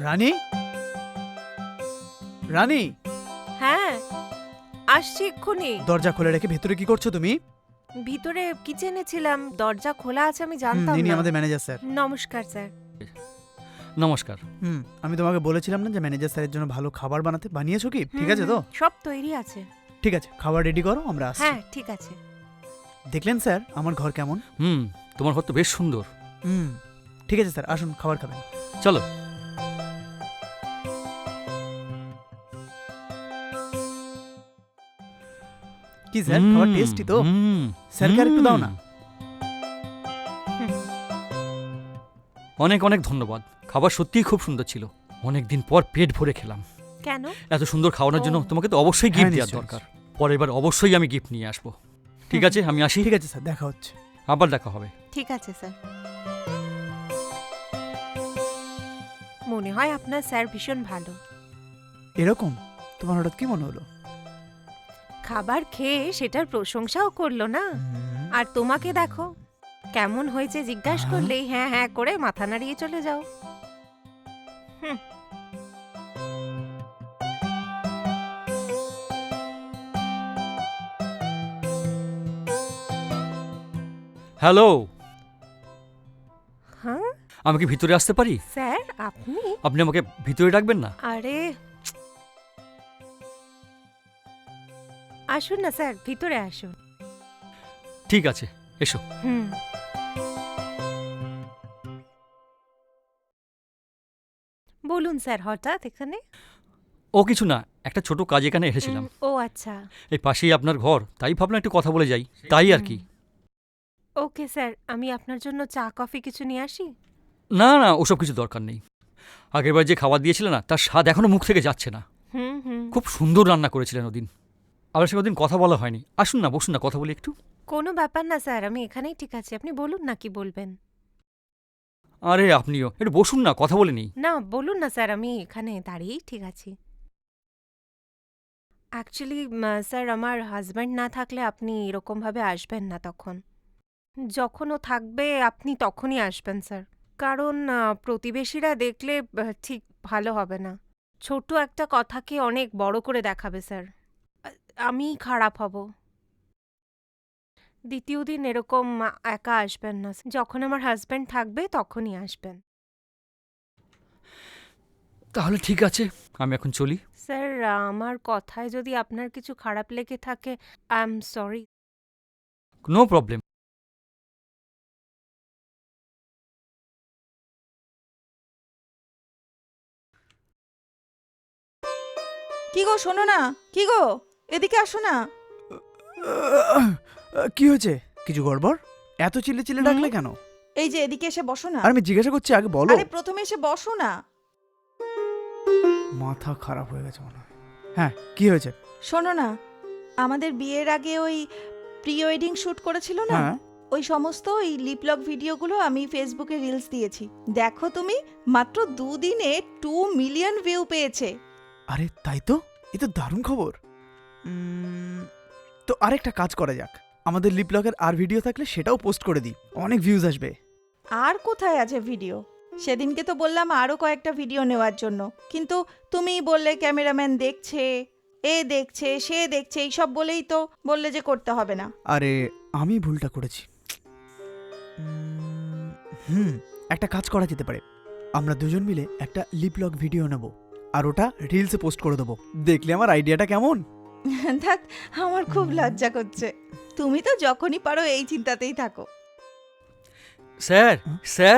রানী, রানী, হ্যাঁ আসছি এক্ষুনি। দরজা খুলে রেখে ভেতরে কি করছো তুমি? ভিতরে কিচেনে ছিলাম, দরজা খোলা আছে আমি জানতাম ইনি না। আমাদের ম্যানেজার স্যার। নমস্কার স্যার। নমস্কার। আমি তোমাকে বলেছিলাম না যে ম্যানেজার স্যারের জন্য ভালো খাবার বানাতে, বানিয়েছো কি? ঠিক আছে তো? সব তৈরি আছে। ঠিক আছে, খাবার রেডি করো, আমরা আসছি। হ্যাঁ ঠিক আছে। দেখলেন স্যার আমার ঘর কেমন? তোমার ঘর তো বেশ সুন্দর। ঠিক আছে স্যার, আসুন খাবার খাবেন। চলো। কি স্যার, খাবার টেস্টি তো? স্যারকে আর একটু দাও না। অনেক অনেক ধন্যবাদ, খাবার সত্যিই খুব সুন্দর ছিল। অনেকদিন পর পেট ভরে খেলাম। কেন? এত সুন্দর খাওয়ানোর জন্য তোমাকে তো অবশ্যই হ্যাঁ, গিফট দেওয়ার নিশ্চয়ই, দরকার। পরের বার অবশ্যই আমি গিফট নিয়ে আসবো। ঠিক আছে, আমি আসি। ঠিক আছে স্যার, দেখা হচ্ছে। আবার দেখা হবে। ঠিক আছে স্যার। মনে হয় আপনার স্যার ভীষণ ভালো। এরকম? তোমার হঠাৎ কি মনে হলো? খাবার খেয়ে সেটার প্রশংসাও করলো না। আর তোমাকে দেখো, কেমন হয়েছে জিজ্ঞাসা করলেই হ্যাঁ হ্যাঁ করে মাথা নাড়িয়ে চলে যাও। হ্যালো, হ্যাঁ আমি কি ভিতরে আসতে পারি? স্যার আপনি? আপনি আমাকে ভিতরে ডাকবেন না? আরে আসুন না স্যার, ভিতরে আসুন। ঠিক আছে, এসো। বলুন স্যার, হঠাৎ এখানে? ও কিছু না, একটা ছোট কাজ এখানে এসেছিলাম। ও আচ্ছা। এই পাশেই আপনার ঘর, তাই ভাবলাম একটু কথা বলে যাই, তাই আর কি। ওকে স্যার, আমি আপনার জন্য চা কফি কিছু নিয়ে আসি? না না, ওসব কিছু দরকার নেই। আগেরবার যে খাবার দিয়েছিলেন না, তার স্বাদ এখনো মুখ থেকে যাচ্ছে না। খুব সুন্দর রান্না করেছিলেন ওদিন। আবার সে ওদিন কথা বলা হয়নি। আসুন না, বসুন না, কথা বলি একটু। কোনো ব্যাপার না স্যার, আমি এখানেই ঠিক আছে। আপনি বলুন না কি বলবেন। আরে আপনিও একটু বসুন না, কথা বলে নিই। না বলুন না স্যার, আমি এখানে দাঁড়িয়েই ঠিক আছি। অ্যাকচুয়ালি স্যার, আমার হাজব্যান্ড না থাকলে আপনি এরকমভাবে আসবেন না তখন। যখন ও থাকবে আপনি তখনই আসবেন স্যার। কারণ প্রতিবেশীরা দেখলে ঠিক ভালো হবে না। ছোট একটা কথাকে অনেক বড় করে দেখাবে স্যার। আমি খারাপ হব। দ্বিতীয় দিন এরকম একা আসবেন না। যখন আমার হাজব্যান্ড থাকবে তখনই আসবেন। তাহলে ঠিক আছে, আমি এখন চলি। স্যার, আমার কথায় যদি আপনার কিছু খারাপ লেগে থাকে, I am sorry. No problem. কি গো, শোনো না। কি গো, এদিকে আসো না। কি হয়েছে? কিছু গড়বড়? এত চিল্লে চিল্লে ডাকলে কেন? এই যে এদিকে এসে বসো না। আর আমি জিজ্ঞাসা করছি, আগে বলো। আরে প্রথমে এসে বসো না। মাথা খারাপ হয়ে গেছে মনে হয়। হ্যাঁ, কি হয়েছে? শোনো না, আমাদের বিয়ের আগে ওই প্রি ওয়েডিং শুট করেছিল না, হ্যাঁ। ওই সমস্ত ওই লিপলক ভিডিওগুলো আমি ফেসবুকে রিলস দিয়েছি। দেখো তুমি, মাত্র 2 দিনে 2 মিলিয়ন ভিউ পেয়েছে। আরে তাই তো, এ তো দারুণ খবর। তো আরেকটা কাজ করা যাক, আমাদের লিপলকের আর ভিডিও থাকলে সেটাও পোস্ট করে দিই, অনেক ভিউজ আসবে। আর কোথায় আছে ভিডিও? সেদিনকে তো বললাম আরও কয়েকটা ভিডিও নেওয়ার জন্য, কিন্তু তুমিই বললে ক্যামেরাম্যান দেখছে, এ দেখছে, সে দেখছে, এইসব বলেই তো বললে যে করতে হবে না। আরে আমি ভুলটা করেছি। একটা কাজ করা যেতে পারে, আমরা দুজন মিলে একটা লিপলক ভিডিও নেব আর ওটা রিলসে পোস্ট করে দেবো। দেখলে আমার আইডিয়াটা কেমন? ধ্যাৎ, আমার খুব লজ্জা করছে। তুমি তো যখনই পারো এই চিন্তাতেই থাকো। Sir, sir.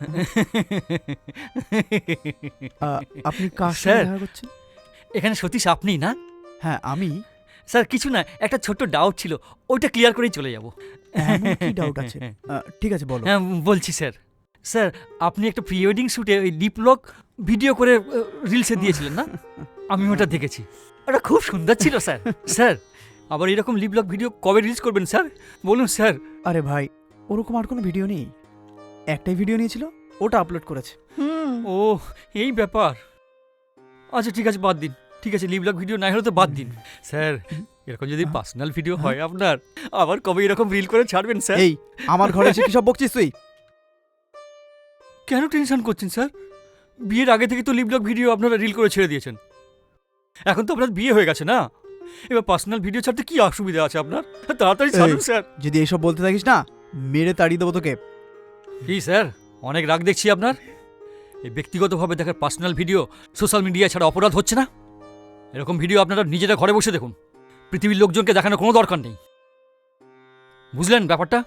আপনি কার সাথে স্যার। দেখা করছেন? এখানে সতীশ আপনি না? হ্যাঁ আমি। স্যার কিছু না, একটা ছোট্ট ডাউট ছিল, ওইটা ক্লিয়ার করেই চলে যাব। এমন কি ডাউট আছে? ঠিক আছে বলো। হ্যাঁ বলছি স্যার। স্যার, আপনি একটা প্রি ওয়েডিং শ্যুটে ওই লিপলক ভিডিও করে রিলসে দিয়েছিলেন না? আমি ওটা দেখেছি, ওটা খুব সুন্দর ছিল স্যার। স্যার, আবার এরকম লিপলক ভিডিও কবে রিলিজ করবেন স্যার? বলুন স্যার। আরে ভাই, ওরকম আর কোনো ভিডিও নেই, একটাই ভিডিও নিয়েছিল, ওটা আপলোড করেছে। ও এই ব্যাপার। আচ্ছা ঠিক আছে, বাদ দিন। ঠিক আছে, লিপলক ভিডিও নাই হলে তো বাদ দিন। স্যার, এরকম যদি পার্সোনাল ভিডিও হয় আপনার, আবার কবে এরকম রিল করে ছাড়বেন স্যার? এই আমার ঘরে এসে কি সব বকছিস তুই? কেন টেনশন করছেন স্যার? বিয়ের আগে থেকে তো লিভ ব্লগ ভিডিও আপনারা রিল করে ছেড়ে দিয়েছেন। এখন তো আপনার বিয়ে হয়ে গেছে না, এবার পার্সোনাল ভিডিও ছাড়তে কি অসুবিধা আছে আপনার? তাড়াতাড়ি ছাড়ুন স্যার। যদি এইসব বলতে থাকিস না, মেরে তাড়িয়ে দেবো তোকে। কি স্যার, অনেক রাগ দেখছি আপনার। এই ব্যক্তিগতভাবে দেখার পার্সোনাল ভিডিও সোশ্যাল মিডিয়া ছাড়া অপরাধ হচ্ছে না? এরকম ভিডিও আপনারা নিজেরা ঘরে বসে দেখুন, পৃথিবীর লোকজনকে দেখানোর কোনো দরকার নেই। বুঝলেন ব্যাপারটা?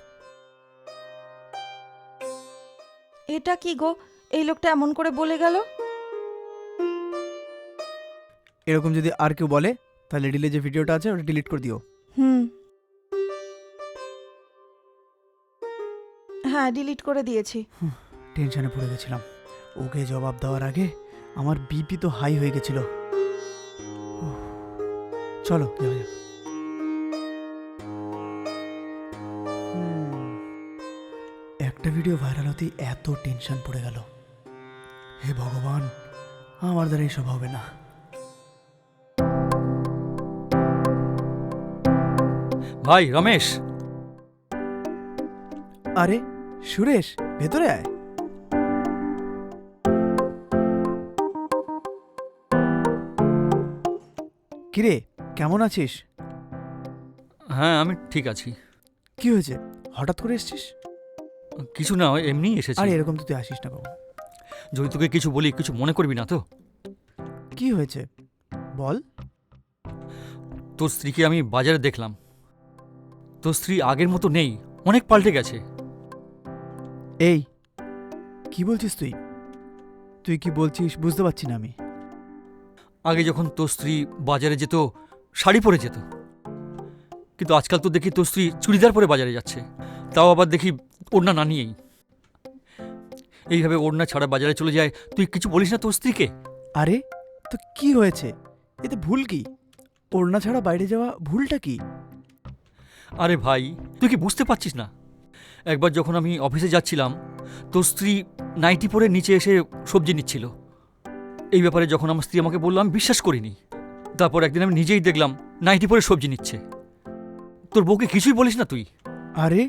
এটা কি গো, এই লোকটা এমন করে বলে গেল? এরকম যদি আর কেউ বলে তাহলে রিলে যে ভিডিওটা আছে ওটা ডিলিট করে দিও। হুম, হ্যাঁ ডিলিট করে দিয়েছি। টেনশনে পড়ে গেছিলাম। ওকে জবাব দেওয়ার আগে আমার বিপি তো হাই হয়ে গেছিল। উফ, চলো যাওয়া যাক। একটা ভিডিও ভাইরাল হতে এত টেনশন পড়ে গেল। হে ভগবান, আমার দ্বারা এসব হবে না। ভাই রমেশ, আরে সুরেশ, ভেতরে আয়। কিরে, কেমন আছিস? হ্যাঁ আমি ঠিক আছি। কি হয়েছে, হঠাৎ করে এসেছিস? কিছু না, ওই এমনিই এসেছি। আরে এরকম তো তুই আসিস না বাবু। যদি তোকে কিছু বলি কিছু মনে করবি না তো? কি হয়েছে বল। তোর স্ত্রীকে আমি বাজারে দেখলাম। তোর স্ত্রী আগের মতো নেই, অনেক পাল্টে গেছে। এই কি বলছিস তুই? তুই কি বলছিস বুঝতে পারছি না আমি। আগে যখন তোর স্ত্রী বাজারে যেত শাড়ি পরে যেত, কিন্তু আজকাল তো দেখি তোর স্ত্রী চুড়িদার পরে বাজারে যাচ্ছে, তাও আবার দেখি ওড়না না নিয়েই। এইভাবে ওড়না ছাড়া বাজারে চলে যায়, তুই কিছু বলিস না তোর স্ত্রীকে? আরে তো কি হয়েছে, এতে ভুল কি? ওড়না ছাড়া বাইরে যাওয়া ভুলটা কি? আরে ভাই, তুই কি বুঝতে পারছিস না? একবার যখন আমি অফিসে যাচ্ছিলাম, তোর স্ত্রী নাইটি পরে নিচে এসে সবজি নিচ্ছিল। এই ব্যাপারে যখন আমার স্ত্রী আমাকে বললো, আমি বিশ্বাস করিনি। তারপর একদিন আমি নিজেই দেখলাম নাইটি পরে সবজি নিচ্ছে। তোর বউকে কিছুই বলিস না তুই? আরে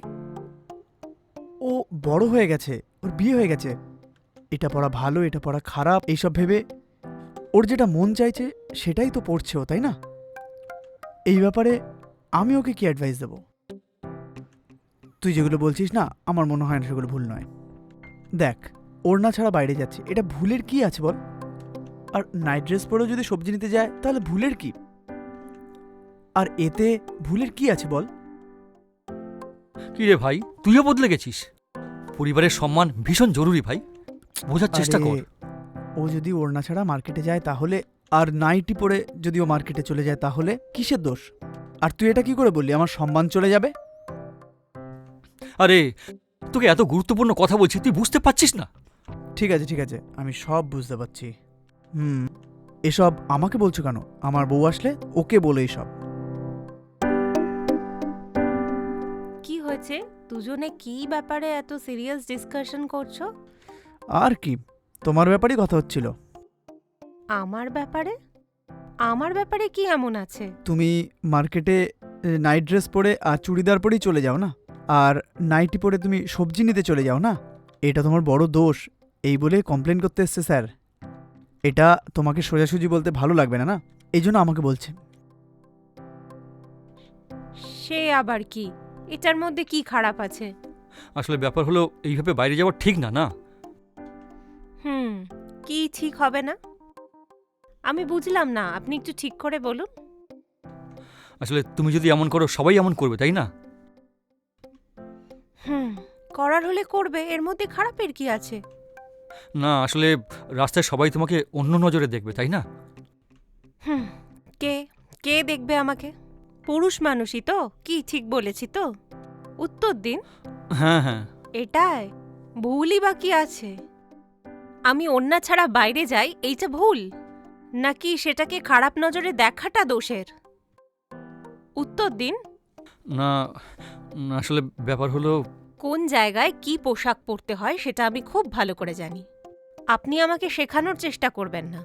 ও বড় হয়ে গেছে, ওর বিয়ে হয়ে গেছে। এটা পড়া ভালো, এটা পড়া খারাপ, এইসব ভেবে ওর যেটা মন চাইছে সেটাই তো পড়ছে ও, তাই না? এই ব্যাপারে আমি ওকে কি অ্যাডভাইস দেব? তুই যেগুলো বলছিস না, আমার মনে হয় না সেগুলো ভুল নয়। দেখ, ওড়না ছাড়া বাইরে যাচ্ছে, এটা ভুলের কি আছে বল? আর নাইট ড্রেস পরেও যদি সবজি নিতে যায় তাহলে ভুলের কি? আর এতে ভুলের কি আছে বল? কি রে ভাই, তুইও বদলে গেছিস। পরিবারের সম্মান ভীষণ জরুরি ভাই, বোঝার চেষ্টা আরে, কর। ও যদি ওড়না ছাড়া মার্কেটে যায় তাহলে, আর নাইটি পরে যদি ও মার্কেটে চলে যায় তাহলে কিসের দোষ? আর তুই এটা কি করে বললি আমার সম্মান চলে যাবে? আরে তোকে এত গুরুত্বপূর্ণ কথা বলছি, তুই বুঝতে পারছিস না? ঠিক আছে ঠিক আছে, আমি সব বুঝতে পারছি। এসব আমাকে বলছো কেন? আমার বউ আসলে ওকে বলো এইসব। কি হয়েছে? দুজনে কি ব্যাপারে এত সিরিয়াস ডিসকাশন করছো? আর কি, তোমার ব্যাপারেই কথা হচ্ছিল। আমার ব্যাপারে? আমার ব্যাপারে কি এমন আছে? তুমি মার্কেটে নাইট ড্রেস পরে আর চুড়িদার পরেই চলে যাও না, আর নাইটি পরে তুমি সবজি নিতে চলে যাও না। এটা তোমার বড় দোষ, এই বলে কমপ্লেন করতে এসছে স্যার। এটা তোমাকে সোজাসুজি বলতে ভালো লাগবে না, না এই জন্য আমাকে বলছে। সে আবার কি? এটার মধ্যে কি খারাপ আছে? আসলে ব্যাপার হলো, এইভাবে বাইরে যাওয়া ঠিক না। না কি ঠিক হবে না? আমি বুঝলাম না, আপনি একটু ঠিক করে বলুন। আসলে তুমি যদি এমন করো সবাই এমন করবে, তাই না? করার হলে করবে, এর মধ্যে খারাপের কি আছে? না আসলে রাস্তায় সবাই তোমাকে অন্য নজরে দেখবে, তাই না? কে কে দেখবে আমাকে? পুরুষ মানুষই তো। কি ঠিক বলেছি তো? উত্তর দিন। হ্যাঁ হ্যাঁ, এটাই ভুলই বা কি আছে? আমি ওড়না ছাড়া বাইরে যাই, এইটা ভুল? নাকি সেটাকে খারাপ নজরে দেখাটা দোষের? উত্তর দিন। না আসলে ব্যাপার হলো, কোন জায়গায় কি পোশাক পরতে হয় সেটা আমি খুব ভালো করে জানি। আপনি আমাকে শেখানোর চেষ্টা করবেন না।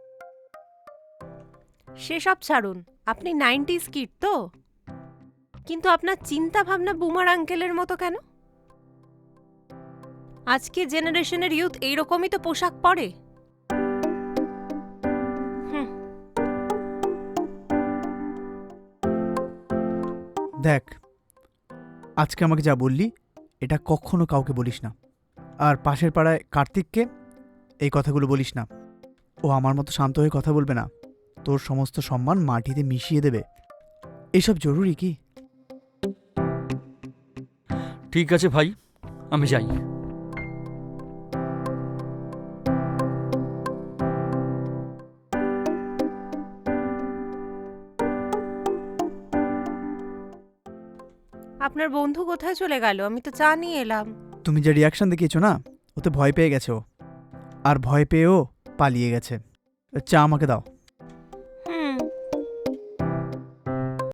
সেসব ছাড়ুন, আপনি 90s কিড তো, কিন্তু আপনার চিন্তা ভাবনা বুমার আঙ্কেলের মতো কেন? আজকে জেনারেশনের ইউথ এইরকমই তো পোশাক পরে। দেখ, আজকে আমাকে যা বললি এটা কখনো কাউকে বলিস না। আর পাশের পাড়ায় কার্তিককে এই কথাগুলো বলিস না। ও আমার মতো শান্ত হয়ে কথা বলবে না, তোর সমস্ত সম্মান মাটিতে মিশিয়ে দেবে। এসব জরুরি কি? ঠিক আছে ভাই, আমি যাই। আপনার বন্ধু কোথায় চলে গেল? আমি তো চা নিয়ে এলাম। তুমি যে রিয়াকশন দেখিয়েছো না, ওতে ভয় পেয়ে গেছে ও, আর ভয় পেয়েও পালিয়ে গেছে। চা আমাকে দাও।